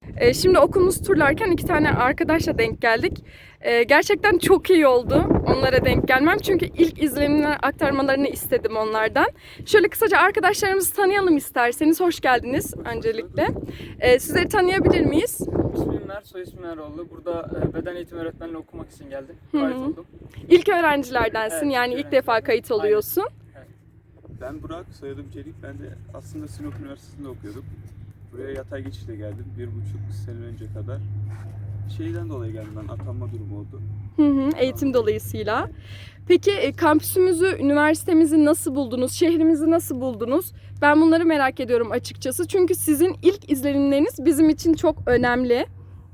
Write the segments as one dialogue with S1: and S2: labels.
S1: Şimdi okulumuzu turlarken iki tane arkadaşla denk geldik. Gerçekten çok iyi oldu onlara denk gelmem. Çünkü ilk izlenimini aktarmalarını istedim onlardan. Şöyle kısaca arkadaşlarımızı tanıyalım isterseniz. Hoş geldiniz öncelikle. Sizleri tanıyabilir miyiz?
S2: İsmim Mert, soy ismim Eroğlu. Burada beden eğitimi öğretmenliği okumak için geldim. Kayıt oldum.
S1: İlk öğrencilerdensin,
S2: Evet,
S1: yani
S2: ilk
S1: ilk defa kayıt oluyorsun.
S3: Ben Burak, soyadım Çelik. Ben de aslında Sinop Üniversitesi'nde okuyordum. Buraya yatay geçişle geldim. 1,5 sene önce kadar. Şeyden dolayı geldim ben, atanma durumu oldu.
S1: Eğitim dolayısıyla. Peki kampüsümüzü, üniversitemizi nasıl buldunuz? Şehrimizi nasıl buldunuz? Ben bunları merak ediyorum açıkçası. Çünkü sizin ilk izlenimleriniz bizim için çok önemli.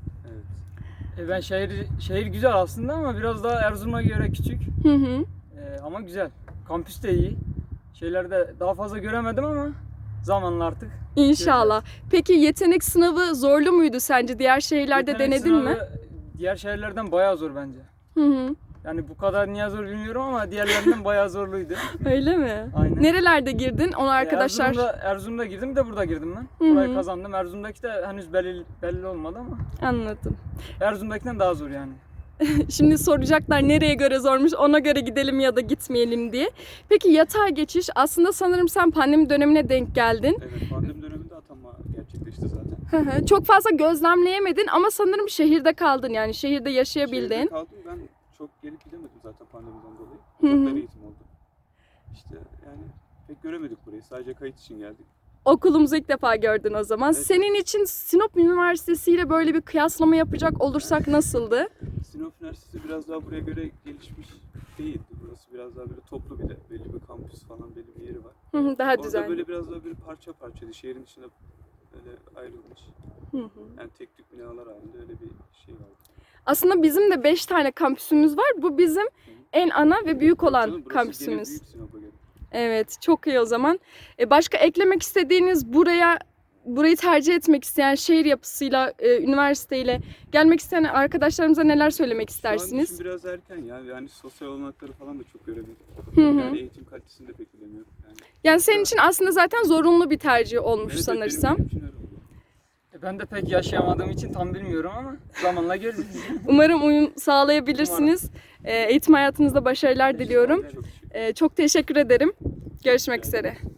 S3: Evet.
S2: Ben şehir güzel aslında ama biraz daha Erzurum'a göre küçük. Ama güzel. Kampüs de iyi. Şeylerde daha fazla göremedim ama zamanla artık.
S1: İnşallah. Peki yetenek sınavı zorlu muydu sence? Diğer şehirlerde
S2: Yetenek
S1: denedin mi?
S2: sınavı Diğer şehirlerden bayağı zor bence. Yani bu kadar niye zor bilmiyorum ama diğerlerinden bayağı zorluydu.
S1: Öyle mi?
S2: Aynen.
S1: Nerelerde girdin? Onu arkadaşlar...
S2: Erzurum'da girdim de burada girdim ben. Burayı kazandım. Erzurum'daki de henüz belli olmadı ama
S1: Anladım.
S2: Erzurum'dakinden daha zor yani.
S1: Şimdi soracaklar nereye göre zormuş, ona göre gidelim ya da gitmeyelim diye. Peki yatay geçiş, aslında sanırım sen pandemi dönemine denk geldin.
S3: Evet, pandemi döneminde atanma gerçekleşti zaten.
S1: Çok fazla gözlemleyemedin ama sanırım şehirde kaldın, yani şehirde yaşayabildin.
S3: Şehirde kaldım, ben çok gelip gidemedim zaten pandemiden dolayı. Uzaktan eğitim oldu. İşte yani pek göremedik burayı, sadece kayıt için geldik.
S1: Okulumuzu ilk defa gördün o zaman.
S3: Evet.
S1: Senin için Sinop Üniversitesi ile böyle bir kıyaslama yapacak olursak nasıldı?
S3: Sinop Üniversitesi biraz daha buraya göre gelişmiş değildi. Burası biraz daha böyle toplu, bir de belli bir kampüs falan, belli bir yeri var.
S1: Daha
S3: Orada
S1: düzenli.
S3: böyle biraz daha böyle parça parçaydı. Şehrin içinde böyle ayrılmış. Yani tek tük binalar halinde öyle bir şey vardı.
S1: Aslında bizim de 5 tane kampüsümüz var. Bu bizim en ana ve büyük olan
S3: Canım, burası
S1: kampüsümüz.
S3: gene büyük Sinop'a göre.
S1: Evet, çok iyi o zaman. Başka eklemek istediğiniz, burayı tercih etmek isteyen, şehir yapısıyla, üniversiteyle gelmek isteyen arkadaşlarımıza neler söylemek
S3: Şu an
S1: istersiniz?
S3: için biraz erken ya. Yani sosyal olanakları falan da çok göremedik. Yani eğitim kalitesini de pek bilemiyorum.
S1: Yani senin için aslında zaten zorunlu bir tercih olmuş
S3: Evet,
S1: sanırsam.
S3: benim için öyle oldu.
S2: Ben de pek yaşayamadığım için tam bilmiyorum ama zamanla göreceğiz.
S1: Umarım uyum sağlayabilirsiniz. Eğitim hayatınızda başarılar diliyorum.
S3: Çok teşekkür ederim.
S1: Çok teşekkür ederim. Görüşmek üzere.